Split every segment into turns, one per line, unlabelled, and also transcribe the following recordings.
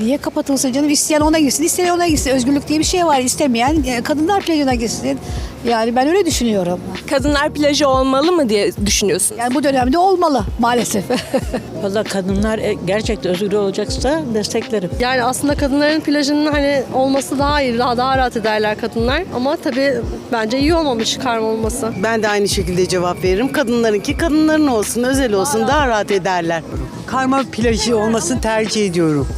Niye kapatılsın canım? İsteyen ona gitsin, isteyen ona gitsin. Özgürlük diye bir şey var. İstemeyen kadınlar plajına gitsin. Yani ben öyle düşünüyorum.
Kadınlar plajı olmalı mı diye düşünüyorsunuz?
Yani bu dönemde olmalı maalesef.
Valla kadınlar gerçekten özgür olacaksa desteklerim.
Yani aslında kadınların plajının hani olması daha iyi, daha rahat ederler kadınlar. Ama tabii bence iyi olmamış karma olması.
Ben de aynı şekilde cevap veririm. Kadınlarınki kadınların olsun, özel olsun, daha rahat ederler.
Karma plajı olmasını tercih ediyorum.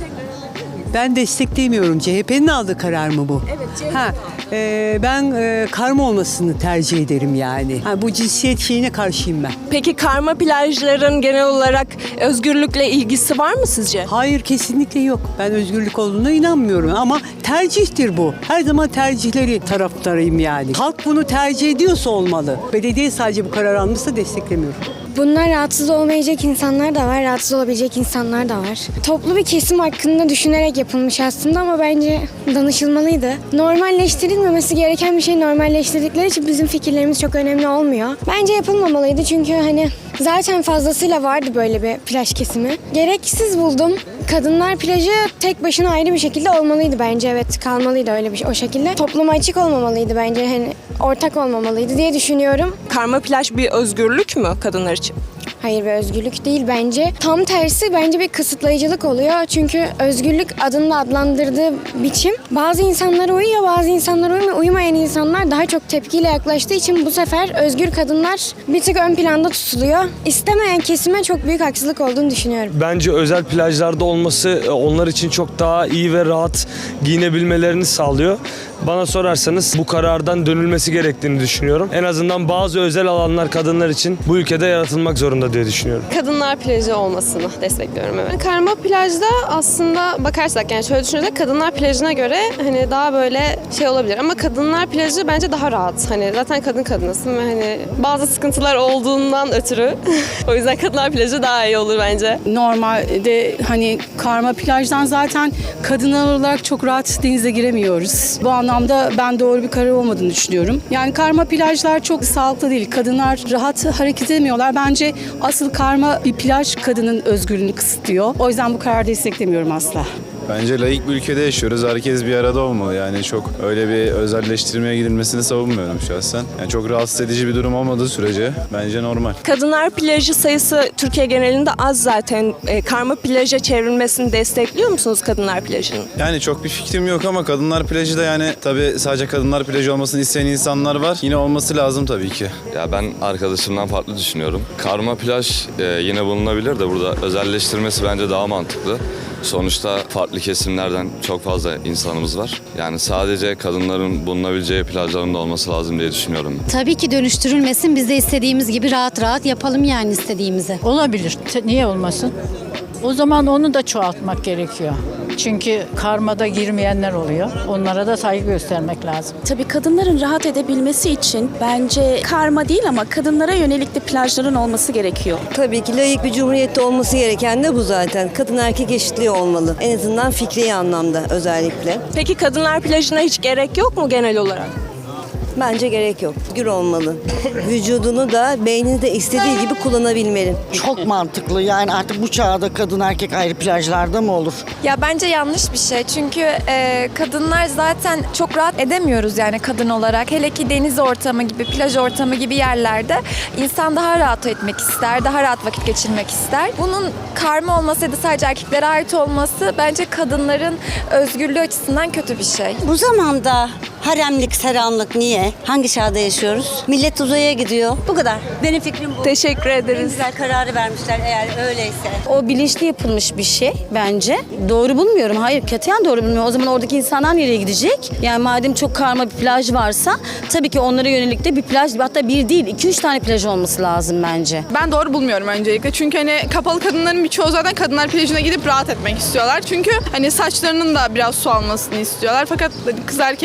Ben desteklemiyorum. CHP'nin aldığı karar mı bu? Evet, CHP. Ben karma olmasını tercih ederim yani. Bu cinsiyet şeyine karşıyım ben.
Peki karma plajların genel olarak özgürlükle ilgisi var mı sizce?
Hayır, kesinlikle yok. Ben özgürlük olduğuna inanmıyorum ama tercihtir bu. Her zaman tercihleri taraftarıyım yani. Halk bunu tercih ediyorsa olmalı. Belediye sadece bu karar almışsa desteklemiyorum.
Bunlar rahatsız olmayacak insanlar da var, rahatsız olabilecek insanlar da var. Toplu bir kesim hakkında düşünerek yapılmış aslında ama bence danışılmalıydı. Normalleştirilmemesi gereken bir şey normalleştirdikleri için bizim fikirlerimiz çok önemli olmuyor. Bence yapılmamalıydı çünkü hani zaten fazlasıyla vardı böyle bir plaj kesimi. Gereksiz buldum. Kadınlar plajı tek başına ayrı bir şekilde olmalıydı bence. Evet, kalmalıydı öyle bir şey, o şekilde. Topluma açık olmamalıydı bence. Hani ortak olmamalıydı diye düşünüyorum.
Karma plaj bir özgürlük mü kadınlar için?
Hayır, bir özgürlük değil bence. Tam tersi bence bir kısıtlayıcılık oluyor. Çünkü özgürlük adında adlandırdığı biçim bazı insanlara uyuyor, bazı insanlara uymuyor. Uymayan insanlar daha çok tepkiyle yaklaştığı için bu sefer özgür kadınlar bir tık ön planda tutuluyor. İstemeyen kesime çok büyük haksızlık olduğunu düşünüyorum.
Bence özel plajlarda olması onlar için çok daha iyi ve rahat giyinebilmelerini sağlıyor. Bana sorarsanız bu karardan dönülmesi gerektiğini düşünüyorum. En azından bazı özel alanlar kadınlar için bu ülkede yaratılmak zorunda diye düşünüyorum.
Kadınlar plajı olmasını destekliyorum, evet. Karma plajda aslında bakarsak yani şöyle düşünürsek kadınlar plajına göre hani daha böyle şey olabilir ama kadınlar plajı bence daha rahat. Hani zaten kadınısın ve hani bazı sıkıntılar olduğundan ötürü o yüzden kadınlar plajı daha iyi olur bence.
Normalde hani karma plajdan zaten kadınlar olarak çok rahat denize giremiyoruz. Bu anlamda ben doğru bir karar olmadığını düşünüyorum. Yani karma plajlar çok sağlıklı değil. Kadınlar rahat hareket edemiyorlar. Bence asıl karma bir plaj kadının özgürlüğünü kısıtlıyor. O yüzden bu kararı desteklemiyorum asla.
Bence laik bir ülkede yaşıyoruz. Herkes bir arada olmalı. Yani çok öyle bir özelleştirmeye gidilmesini savunmuyorum şahsen. Yani çok rahatsız edici bir durum olmadığı sürece bence normal.
Kadınlar plajı sayısı Türkiye genelinde az zaten. Karma plaja çevrilmesini destekliyor musunuz kadınlar plajının?
Yani çok bir fikrim yok ama kadınlar plajı da yani tabii sadece kadınlar plajı olmasını isteyen insanlar var. Yine olması lazım tabii ki.
Ya ben arkadaşımdan farklı düşünüyorum. Karma plaj yine bulunabilir de burada özelleştirmesi bence daha mantıklı. Sonuçta farklı kesimlerden çok fazla insanımız var. Yani sadece kadınların bulunabileceği plajların da olması lazım diye düşünüyorum.
Tabii ki dönüştürülmesin. Biz de istediğimiz gibi rahat rahat yapalım yani istediğimizi.
Olabilir. Niye olmasın? O zaman onu da çoğaltmak gerekiyor. Çünkü karmada girmeyenler oluyor. Onlara da saygı göstermek lazım.
Tabii kadınların rahat edebilmesi için bence karma değil ama kadınlara yönelik de plajların olması gerekiyor.
Tabii ki layık bir cumhuriyette olması gereken de bu zaten. Kadın erkek eşitliği olmalı. En azından fikri anlamda özellikle.
Peki kadınlar plajına hiç gerek yok mu genel olarak?
Bence gerek yok. Gür olmalı. Vücudunu da beynini de istediği gibi kullanabilmeli.
Çok mantıklı. Yani artık bu çağda kadın erkek ayrı plajlarda mı olur?
Ya bence yanlış bir şey. Çünkü kadınlar zaten çok rahat edemiyoruz yani kadın olarak. Hele ki deniz ortamı gibi, plaj ortamı gibi yerlerde insan daha rahat etmek ister, daha rahat vakit geçirmek ister. Bunun karma olması ya da sadece erkeklere ait olması bence kadınların özgürlüğü açısından kötü bir şey.
Bu zamanda haremlik, selamlık niye? Hangi çağda yaşıyoruz? Millet uzaya gidiyor. Bu kadar. Benim fikrim bu.
Teşekkür ederiz.
En güzel kararı vermişler eğer öyleyse.
O bilinçli yapılmış bir şey bence. Doğru bulmuyorum. Hayır, katiyen doğru bulmuyorum. O zaman oradaki insanlar nereye gidecek? Yani madem çok karma bir plaj varsa tabii ki onlara yönelik de bir plaj, hatta bir değil 2-3 tane plaj olması lazım bence.
Ben doğru bulmuyorum öncelikle. Çünkü hani kapalı kadınların birçoğu zaten kadınlar plajına gidip rahat etmek istiyorlar. Çünkü hani saçlarının da biraz su almasını istiyorlar. Fakat kız erkek karışık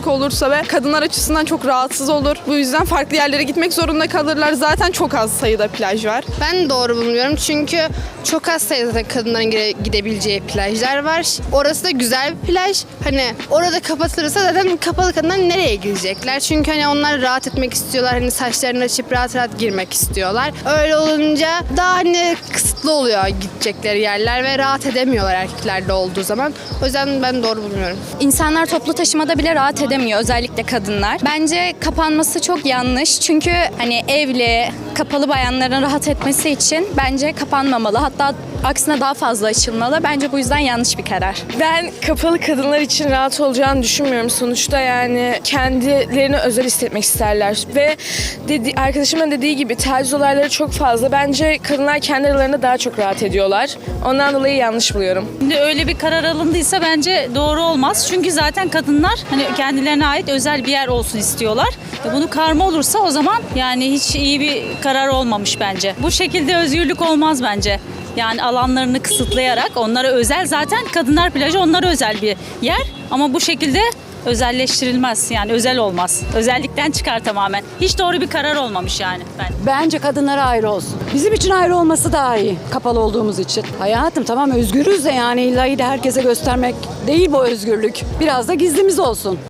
pislik olursa ve kadınlar açısından çok rahatsız olur. Bu yüzden farklı yerlere gitmek zorunda kalırlar. Zaten çok az sayıda plaj var.
Ben doğru bulmuyorum çünkü çok az sayıda kadınların gidebileceği plajlar var. Orası da güzel bir plaj. Hani orada kapatılırsa zaten kapalı kadınlar nereye gidecekler? Çünkü hani onlar rahat etmek istiyorlar. Hani saçlarını açıp rahat rahat girmek istiyorlar. Öyle olunca daha hani kısıtlı oluyor gidecekleri yerler ve rahat edemiyorlar erkeklerde olduğu zaman. O yüzden ben doğru bulmuyorum.
İnsanlar toplu taşımada bile rahat edemiyor, özellikle kadınlar. Bence kapanması çok yanlış. Çünkü hani evli, kapalı bayanların rahat etmesi için bence kapanmamalı. Hatta aksine daha fazla açılmalı. Bence bu yüzden yanlış bir karar.
Ben kapalı kadınlar için rahat olacağını düşünmüyorum. Sonuçta yani kendilerini özel hissetmek isterler. Ve arkadaşımın dediği gibi taciz olayları çok fazla. Bence kadınlar kendi aralarında daha çok rahat ediyorlar. Ondan dolayı yanlış buluyorum.
Şimdi öyle bir karar alındıysa bence doğru olmaz. Çünkü zaten kadınlar hani kendilerine ait özel bir yer olsun istiyorlar. Bunu karma olursa o zaman yani hiç iyi bir karar olmamış bence. Bu şekilde özgürlük olmaz bence. Yani alanlarını kısıtlayarak onlara özel, zaten kadınlar plajı onlara özel bir yer ama bu şekilde özelleştirilmez, yani özel olmaz. Özellikten çıkar tamamen. Hiç doğru bir karar olmamış yani bence.
Bence kadınlara ayrı olsun. Bizim için ayrı olması daha iyi, kapalı olduğumuz için. Hayatım tamam özgürüz de yani illa de herkese göstermek değil bu özgürlük. Biraz da gizlimiz olsun.